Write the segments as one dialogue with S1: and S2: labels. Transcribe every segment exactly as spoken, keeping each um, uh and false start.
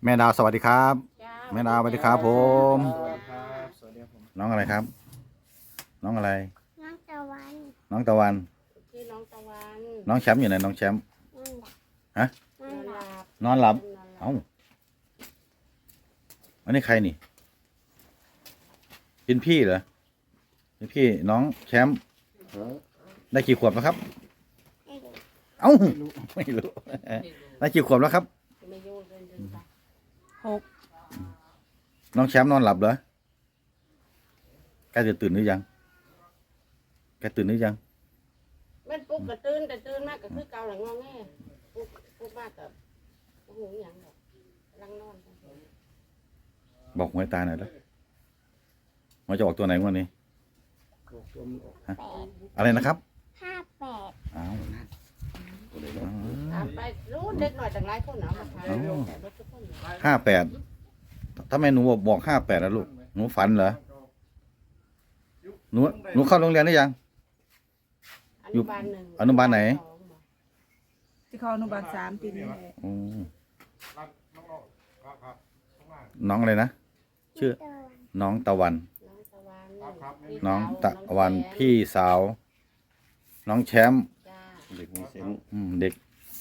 S1: แม่ดาวสวัสดีครับแม่ดาวสวัสดีครับผม
S2: สวัสดีครับสวัสดีครับผม
S1: น้องอะไรครับ น้องอะไร
S3: น้องตะวัน
S1: น้องตะวัน
S3: ชื่อน้องตะวัน
S1: น้องแชมป์อยู่ไหนน้องแชมป์
S3: นั่นแหละ
S1: ฮะ
S3: นั่นแหละ
S1: นอนหลับเอ้าอันนี้ใครนี่เป็นพี่เหรอเป็นพี่น้องแชมป์ได้กี่ขวบแล้วครับ
S3: ไม่รู้
S1: เอ้าไม่รู้ได้กี่ขวบแล้วครับ
S3: ไม่รู้เดินเดินไปหก
S1: น้องแชมป์นอนหลับเหรอแกจะตื่นหรือยังแกตื่นหรือยัง
S3: แม่นปุ๊บก็ตื่นแต่ตื่นมากก็คือเกาหลังงอแงปุ๊บปุ๊บมากกับหูหยังดอกลังนอน
S1: บอกหวยตาหน่อยแล้วมันจะออกตัวไหนวันนี้
S3: แปด
S1: อะไรนะครับ
S3: ห้าแปด
S1: อ้าว
S3: ตามไปรู้เด็กหน่อยต่างหลายคนเนาะมาทานแต่รถทุกคน
S1: ห้าแปดทำไมหนูบอกบอกห้าแปดนะลูกหนูฝันเหรอหนูหนูเข้าโรงเรียนหรือยัง
S3: อนุบาลหนึ่ง
S1: อนุบาลไหน
S4: ที่เขาอนุบาลสามปีนี้แหละ
S1: อืมน้องอะไรนะชื่อ น้องตะวัน
S3: น้องตะวัน
S1: น้องตะวันพี่สาว น้องแชมป์
S3: จ้า
S2: เด็กมีเซนส์
S1: อืมเด็ก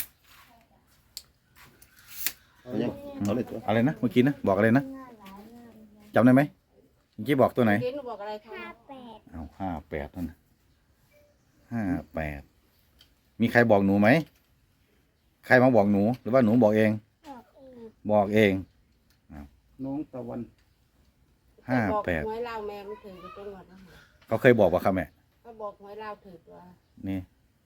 S2: เอายังเอาเลยตัว
S1: อะไรนะเมื่อกี้นะบอกอะไรนะจำได้ไหมเมื่อกี้บอกตัวไหน
S3: เกณฑ์หนูบอกอะไรคะ
S4: ห้าแปด
S1: เอาห้าแปดนั่นนะห้าแปดมีใครบอกหนูไหมใครมาบอกหนูหรือว่าหนูบอกเอง
S3: บอกเอง
S1: บอกเอง
S2: น้องตะวัน
S1: ห้าแปด
S3: หวยเล่าแม่มันถือไปจังหวัดนะคะ
S1: เขาเคยบอกว่าครับแม่
S3: ก็บอกหวยเล่าถือตัว
S1: นี่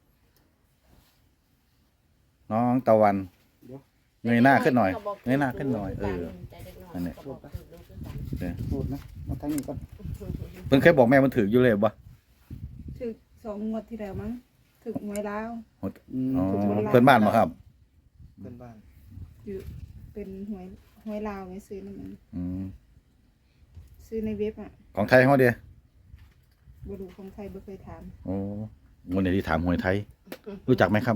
S1: น้องตะวันเงยหน้าขึ้นหน่อยเงยหน้าขึ้นหน่อยเออ นั่นแหละ
S2: พูดนะมาทั้งนี้ก่อน
S1: เพิ่งเคยบอกแม่มันถืออยู่เลยบ่
S4: ถึกสองงวดที่แล้วมั้งถึกหวยลาว
S2: อืม
S1: อ๋อเพื่อนบ้านมาครับ
S2: เพื่อนบ้าน
S4: อยู่เป็นหวยหวยลาวไงซื้อนั่นมัน
S1: อืม
S4: ซื้อในเว็บอ่ะ
S1: ของไทยเขาเดีย
S4: บรูของไทยบ่เคยถาม
S1: โอ้วันนี้ที่ถามหวยไทย รู้จักไหมครับ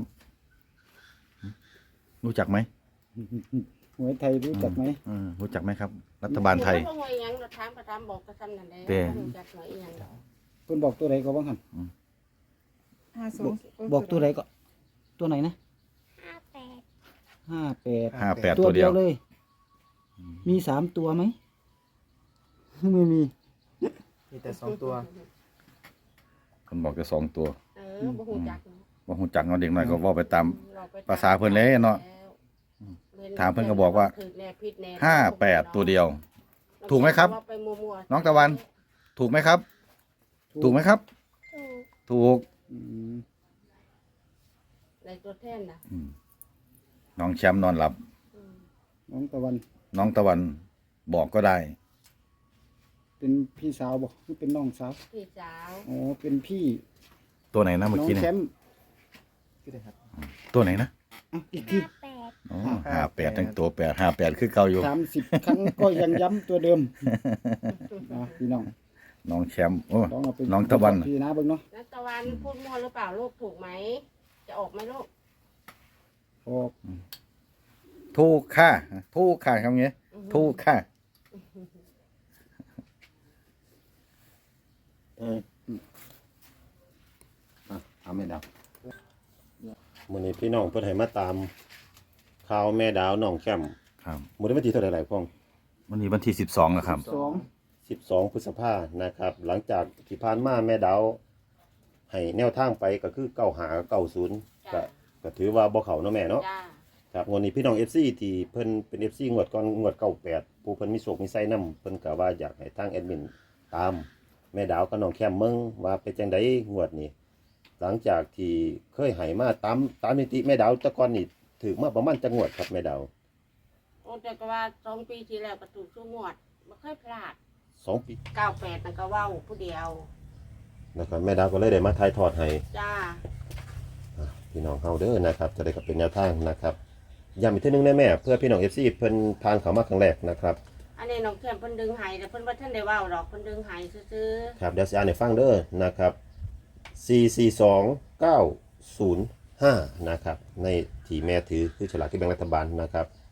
S1: รู้จักไหม
S2: หวยไทยรู้จักไหม
S1: อืมรู้จักไหมครับ รัฐบาลไทย
S3: หวยยังเราถามประถามบอกกระทำนั่นแหละ
S1: แต่
S3: จัดหวยอีหยังดอก
S2: เพิ่นบอกตัวไหนก็บ้างหัน
S4: ห้าสอง
S2: บอกตัวไหนก็ ตัวไหนนะ
S3: ห้าแปด
S2: ห้าแปด
S1: ห้าแปดตัวเดียว
S2: เลย มีสามตัวไหมไม่มี
S5: มีแต่สองตัว
S1: คนบอกจะสองตัว
S3: เออบ่ฮู้จักเนาะ
S1: ว่าหูจักเนาะเด็กน้อยก็เว่าไปตาม
S3: เราไป
S1: ภาษาเพิ่นเลยเนาะ ถามเพิ่นก็บอกว่า
S3: ถืแน่ผิดแน่
S1: ห้าแปดตัวเดียว ถูกไหมครับ
S3: ว่าไปมั่วๆ
S1: น้องตะวัน ถูกไหมครับ ถูกไหมครับ
S3: ถูก
S1: ถูก
S2: อืม
S3: ในตัวแทนนะ
S1: อืมน้องแชมป์นอนหลับ
S3: อืม
S2: น้องตะวัน
S1: น้องตะวันบอกก็ได้
S2: เป็นพี่สาวบอกหรือเป็นน้องสาว
S3: พี่สาว
S2: อ๋อเป็นพี่
S1: ตัวไหนนะเมื่อ
S2: น้อง
S1: กี้เนี่
S2: แช
S1: ย
S2: มป์
S5: ก็ได้ครับ
S1: ตัวไหนนะ
S2: อ่ะอีกที
S3: ห้าแปด
S1: อ๋อห้าแปดทั้งตัวแปดห้าแปดคือเก่าอยู่
S2: สามสิบครั้งก็ยังย้ำตัวเดิมนะพี่น้อง
S1: น้องแชมป์โอ้
S2: ลองเอาไป
S1: น้องตะวัน
S2: พี่นะเบิ่งเนาะ
S3: นักตะวันพูดมั่วหรือเปล่าลูกถูกไหม จะออกไหมลูก
S2: ออก
S1: ถูกค่ะถูกค่ะคำนี้ถูกค่ะ
S6: เอออ่ะเอาแม่ดาวมื้อนี้พี่น้องเพิ่นให้มาตามข่าวแม่ดาวน้องแคม
S1: ครับ
S6: มื้อนี้วันที่เท่าไหร่หลายพ่อง
S1: วันนี้วันที่สิบสองแล้วครับ
S2: สอง
S6: สิบสองพฤษภานะครับ หลังจากที่ผ่านมาแม่ดาวให้แนวทางไปก็คือเก้าหาเก้าศูนย์ก็ก็ถือว่าบ่เข้าเนาะแม่เนาะ
S3: จ้า
S6: ครับงวดนี้พี่น้อง เอฟ ซี ที่เพิ่นเป็น เอฟ ซี งวดก่อนงวดเก้าแปดผู้เพิ่นมีโศกมีไส้นำเพิ่นก็ว่าอยากให้ทางแอดมินตามแม่ดาวกับน้องแคมเมืองว่าเป็นจังไดงวดนี้ หลังจากที่เคยให้มาตามตามนิติแม่ดาวแต่ก่อนนี่ถือมาประมาณจังงวดครับแม่ดาว
S3: โอ้แต่ก็ว่าสองปีที่แล้วก็ถูกชั่วงวดไม่เคยพลาด
S6: สองปี
S3: เก้าแปดนั่นก็เว้าผู้เดียว
S6: นะครับแม่ดาวก็เลยได้มาถ่ายทอดให้
S3: จ้า
S6: อ่ะพี่น้องเฮาเด้อนะครับจะได้ก็เป็นแนวทางนะครับย้ำอีกเทีนึงได้แม่เพื่อพี่น้อง เอฟ ซี เพิ่นผ่านเข้ามาครั้งแรกนะครับ
S3: อันนี้น้องแคมเพิ่นดึงไห้แต่เพิ่นว่าท่านได้เว้าดอกเพิ่นดึงไห้ซื่อ
S6: ครับเดี๋ยวสิอ่านให้ฟังเด้อนะครับสี่ สี่ สอง เก้า ศูนย์ ห้านะครับในที่แม่ถือคือฉลากที่แบ่งรัฐบาลนะครับ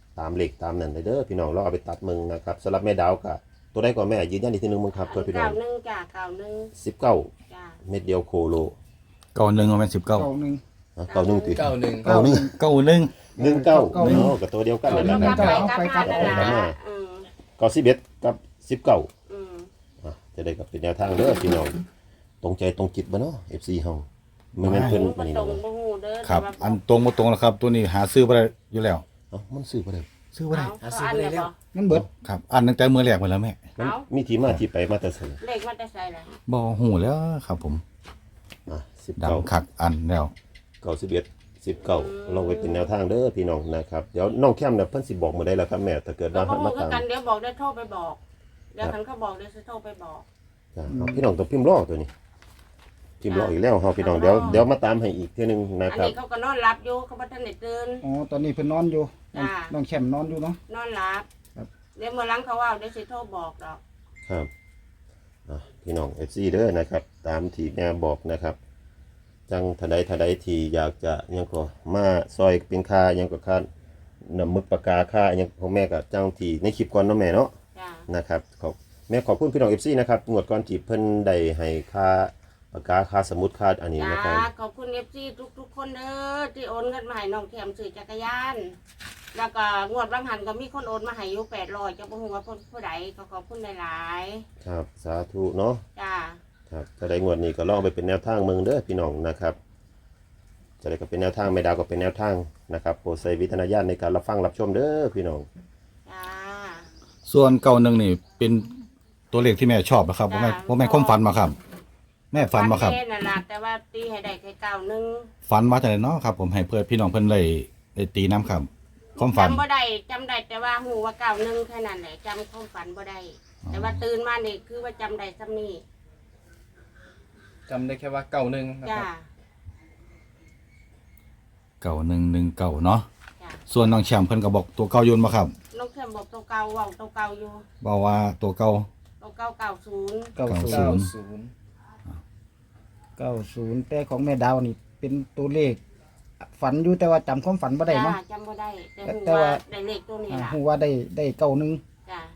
S6: ตามเลขตามนั่นเลยเด้อพี่น้องเราเอาไปตัดมึงนะครับสำหรับแม่ดาวก็ตัวได้ก่อนแม่ยืนยันอีกทีหนึงมึงครับเพื่อพี่น้อ
S3: เก้าง หนึ่งจ้าเก้าหนึ่ง
S6: สิบเก้า
S3: จ้า
S6: เม็ดเดียวโคโล
S1: เก้าหนึ่งมันเป็นสิบเก้า
S2: เก้าหนึ่ง
S6: อ่ะเก้าหนึ่งติ
S5: เก้าหนึ่ง
S6: เก้าหนึ่ง
S1: เก้าหนึ่ง
S6: หนึ่งเก้า
S2: เก้าหนึ่ง
S6: เนาะกับตัวเดียวกันเลย
S3: กลั
S6: นะ
S3: บ
S6: ค
S3: ไป
S6: รับ
S3: กลับมานั่นล่ะอืม
S6: เก้าสิบเอ็ดกับสิบเก้า
S3: อืม
S6: อ่ะจะได้กับเป็นแนวทางเด้อพี่น้องตรงใจตรงจิตบ่เนาะ เอฟ ซี เฮาไม่แม่นเพิ่น
S3: บ่
S6: อันนี้
S3: ตรง
S6: เนาะ
S3: บ่ฮู้เด้อ
S1: ครับ
S3: แต่ว่า
S1: อันตรงมาตรงแล้วครับ ตัวนี้หาซื้อบ่ได้อยู่แล้ว
S6: เอ้ามันซื้อบ่ได้
S1: ซื้อบ่ได้
S3: เอาเขาอันเนี่ยบ่
S2: มันเบิด
S1: ครับอันตั้งแต่มือแรกมาแล้วแม่
S6: มัน
S3: เอา
S6: มีที่มาที่ไปมาแต่ไส
S3: เลขมันจะใส่ล่ะ
S1: บ่หูแล้วครับผม
S6: อ่ะสิบ
S1: ดั
S6: เก้า
S1: งคักอันแล้ว
S6: เก้าสิบเอ็ดสิบเก้าลองไว้เป็นแนวทางเด้อพี่น้องนะครับเดี๋ยวน้องแคมเนี่ยเพิ่นสิบอกมื้อใดล่ะครับแม่ถ้าเกิด
S3: เรา
S6: ว่า
S3: บ่
S6: มา
S3: ฮู้คือ
S6: ตาม
S3: กันเดี๋ยวบอกได้โทรไปบอกเดี๋ยวคันเขาบอกเดี๋ยวสิโทรไปบอก
S6: จ้ะเอาพี่น้องต้องพิมพ์รอตัวนี้พิมพ์รออีกแล้วเฮาพี่น้องเดี๋ยวเดี๋ยวมาตามให้อีกเทื่อนึงนะ
S3: อัน
S6: ครับ
S3: นี้เขาก็นอนหลับอยู่เขาบ่ทันได้ตื่น
S2: อ๋อตอนนี้เพิ่นนอนอยู่น้อง
S3: จ้า
S2: น้องแชมป์นอนอยู่เนาะ
S3: นอนหลับ
S2: ครับ
S3: เดี๋ยวเมื่อหลังเขาว่าเดี๋ยวสิโทรบอกดอก
S6: ครับอ่ะพี่น้อง เอฟ ซี เด้อนะครับ ตามที่แม่บอกนะครับ จังทะใดทะใดที่อยากจะยังก็มาซอยเป็นค่ายังก็ค่าน้ำมึกปากกาค่ายังของแม่ก็จังที่ในคลิปก่อนเนาะแม่เนาะ
S3: จ้า
S6: นะครับขอบแม่ขอบคุณพี่น้อง เอฟ ซี นะครับงวดก่อนที่เพิ่นได้ให้ค่าปากกาค่าสมุดค่าอันนี้
S3: จ้า
S6: นะครับ
S3: ขอบคุณ เอฟ ซี ทุกๆคนเด้อที่โอนเงินมาให้น้องแถมซื้อจักรยาน แล้วก็งวดบางหันก็มีคนโอนมาให้อยู่แปดร้อยจะบ่ฮู้ว่าเพิ่นผู้ใดก็ขอบคุณหลาย
S6: ครับสาธุเนาะ
S3: ๆจ้า
S6: ครับถ้าได้งวดนี้ก็ลองไปเป็นแนวทางเมืองเด้อพี่น้องนะครับ จะได้ก็เป็นแนวทางไม่ดาวก็เป็นแนวทางนะครับโปรดใช้วิจารณญาณในการรับฟังรับชมเด้อพี่น้อง
S3: จ้า
S1: ส่วนเก้าหนึ่งนี่เป็นตัวเลขที่แม่ชอบนะครับบ่แม่บ่แม่ความฝันมาครับ แม่ฝันมาครับ
S3: แม่นั่นล่ะแต่ว่าตีให้ได้แค่เก้าหนึ่ง
S1: ฝันมาจากไหนเนาะครับ ผมให้เพื่อนพี่น้องเพิ่นได้ได้ตีน้ำครับ ความฝัน
S3: จำบ่ได้จำได้แต่ว่าฮู้ว่าเก้าหนึ่งแค่นั้นแหละจำความฝันบ่ได้แต่ว่าตื่นมานี่คือว่าจำได้ซ้ำนี่
S5: จำได้แค่ว่าเก้าหนึ่งนะค
S3: จ้า
S5: รับ
S1: เก้าหนึ่งหนึ่งเก้าเนาะ
S3: จ้า
S1: ส่วนน้องแชมป์เพิ่นก็บอกตัวเก่าโยนมาครับ
S3: น้องแคมบอกตัวเก่าเว้าตัวเก่าอยู่
S1: บอกว่าตัวเก่า
S3: ตัวเก่าเก้าศูนย์
S2: เก้าศูน
S1: เก้า
S2: ย์
S1: ศูนย์
S2: เก้าศูนย์แต่ของแม่ดาวนี่เป็นตัวเลข ฝันอยู่แต่ว่าจำความฝันบ่ได้
S3: จ้า
S2: เนาะ
S3: จำบ่ได้แต่ฮู้
S2: แต่ว่า
S3: ว่าได้เลขตัวนี้
S2: อ่า
S3: ล่ะ
S2: ฮู้ว่าได้ได้เก้าหนึ่ง
S3: จ้า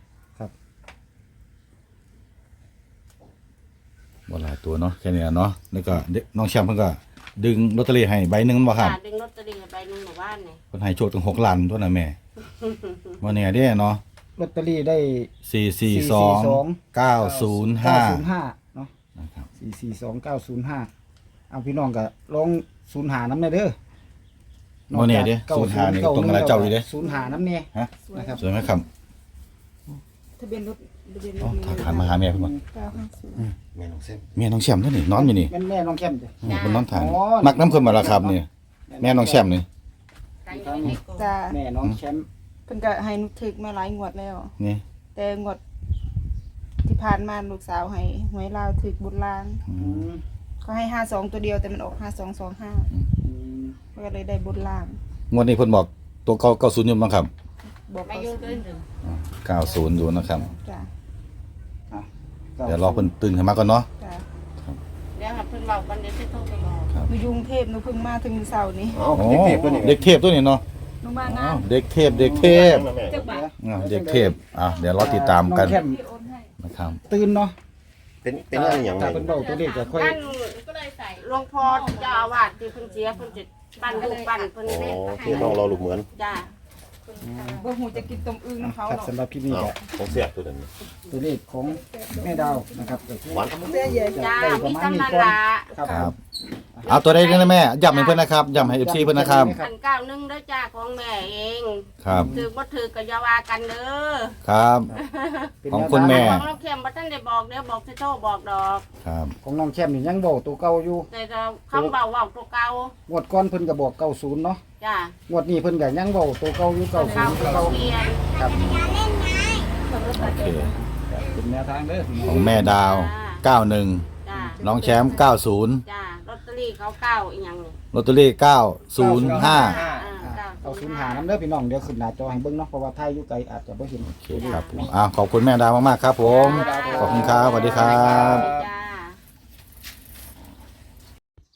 S1: บ่หลายตัวเนาะแค่นี้เนาะแล้วก็เด็กน้องแชมป์เพิ่นก็ดึงลอตเตอรี่ให้ใบหนึงบ่ครับ
S3: จ้าดึงลอตเตอรี่ให้ใบหนึงหมู่บ้านนี่
S1: เพิ่นให้โชคถึงหกล้านตัวน่ะแม่บ่แน่เด้เนาะ
S2: ลอตเตอรี่ได้
S1: สี่สี่สองเก้าศูนย์ห้า
S2: เก้าศูนย์ห้าเนาะ
S1: นะครับ
S2: สี่สี่สองเก้าศูนย์ห้าเอาพี่น้องก็ลองศูนย์หาน้ำในเด้อ
S1: บ่แน่เด้ศูนย์ห้านี่ก็ตรงกับเจ้าอยู่เด้
S2: ศูนย์หาน้ำเนี่ย
S1: ฮะ
S2: นะครับ
S1: สวยไหมครับ
S4: ทะเบียนรถทะเบียนร
S1: อ๋อ
S4: ถ
S1: ถามมาหาแม่เพิ่นบ่
S4: เก้าห้าศูนย์
S6: แม่น้องเส้น
S1: แม่น้องแชมป์นี่นี่นอนอยู่นี่
S2: แม่นแม่น้องแคมจ้ะ
S1: อืมเพิ่นนอนทาน
S2: อ๋อ
S1: มักน้ำเพิ่นมาแล้วครับนี่แม่น้องแชมป์นี่
S3: ใส่อยู่ในเลขก่อน
S4: จ้า
S2: แม่น้องแชมป์
S4: เพิ่นก็ให้หนุถึกมาหลายงวดแล้ว
S1: นี่
S4: แต่งวดที่ผ่านมาลูกสาวให้หวยลาวถึกบุญลาง
S1: อื
S2: อื
S1: ม
S2: ม
S4: เขาให้ห้าสองตัวเดียวแต่มันออกห้าสองสองห้า
S2: อืม
S4: ก็เลยได้บุญลาง
S1: งวดนี้เพิ่นบอกตัวเก่าเก้าศูนย์อยู่มั้งครับ
S4: บอก
S3: ไม่
S4: เขา
S3: ยุ่งเกินหนึ่ง
S1: เก้าศูนย์อยู่นะครับ
S4: จ้า
S1: เดี๋ยวรอเพิ่นตื่นขึ้นมาก่อนเนาะ
S4: จ้า
S3: เดี๋ยวให้เพิ่นเว้ากันเดี๋ยวสิโทรไปบอก
S4: หนูอยกรุงเทพหนูเพิ่งมาถึงเสาร์นี้
S6: เอ้า
S1: อ๋อ
S6: เด็กๆตัวนี้
S1: เด็กเทพตัวนี้เนาะ
S4: หนูมา
S1: อ๋
S4: งา
S1: อน เด็กเทพเด็กเทพ
S6: แม่
S4: จักบาท
S1: อ่าเด็กเทพอ่ะเดี๋ยวรอติดตามกัน
S2: องแคม
S4: พี่โอนให้
S1: นะครับ
S2: ตื่นเนาะ
S6: เป็นเป็นอะไรอย่างไร
S2: ถ้าเป็นเบาตัวเลขจะค่อย
S3: นั่นก็เลยใส่หลวงพ่อที่เจ้าอาวาสที่เพิ่นเสียเพิ่นจะปั้นลูกปั้นเพิ่น
S6: อ๋อ
S3: เล่น
S6: ที่น้องรอลูกเหมือน
S3: จ้า
S4: บ่หูจะกินต้มอึ่งน้ำเขา
S2: ครับ
S4: หรอก
S2: สำหรับพี่นี่
S6: อ้าว
S2: ก็
S6: ของเสียบตัวนั้น
S2: ตัวเลขของแม่ดาวนะครับก็คือ
S6: หวาน
S3: จ้า
S2: ได้ประ
S3: มี
S2: มาณ
S3: กำ
S2: นี้
S3: นัน
S2: ก่อน
S3: ละ
S2: ครับ
S1: ครับเอาตัวใดกันนะแม่ย้ำให้เพิ่นนะครับย้ำให้ เอฟ ซี เพิ่นนะครับ
S3: อันเก้าหนึ่งเด้อจ้าของแม่เอง
S1: ครับ
S3: ถือบ่ถือก็อย่าว่ากันเด้อ
S1: ครับ
S2: เป็น
S1: ของ
S2: แนว
S1: คุณแม่
S3: ของเราเข็มบ่ทันได้บอกเดี๋ยวบอกสิโทรบอกดอก
S1: ครับ
S2: ของน้องแคมนี่ยังบอกตัวเก่าอยู่
S3: แต่เราคำเบาเว้าตัวเก่าง
S2: วดก่อนเพิ่นก็บอกเก้าศูนย์เนาะ
S3: จ้าง
S2: วดนี้เพิ่นก็ยังบอกตัวเก่าอยู่เก้าศู
S3: เก่าน
S2: ย์
S3: ตัว
S2: เก่า
S3: เปลี่ยน
S2: ครับ
S1: โอเค
S2: เป็นแนวทางเด้อ
S1: ของแม่ดาวเก้าหนึ่ง
S3: จ้า
S1: น้องแชมป์เก้าศูนย์
S3: จ้าลอตเตอรี่เขาเก้าอีหยังนี่
S1: ลอตเตอรี่เก้าศูนย์ห้า
S3: อ่า
S2: เอาศูนย์หาน้ำเด้อพี่น้องเดี๋ยวขึ้นหน้าจอให้เบิ่งเนาะเพราะว่าถ่ายอยู่ไกลอาจจะบ่เห็น
S1: โอเคครับผมอ่ะขอบคุณแม่ดาวมากๆครับผม ขอบคุณครับสวัสดีครับ
S3: จ้า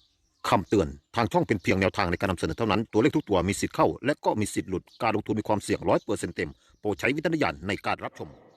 S7: คำเตือน ทางช่องเป็นเพียงแนวทางในการนำเสนอเท่านั้น ตัวเลขทุกตัวมีสิทธิ์เข้า และก็มีสิทธิ์หลุด การลงทุนมีความเสี่ยงร้อยเปอร์เซ็นต์เต็ม โปรดใช้วิจารณญาณในการรับชม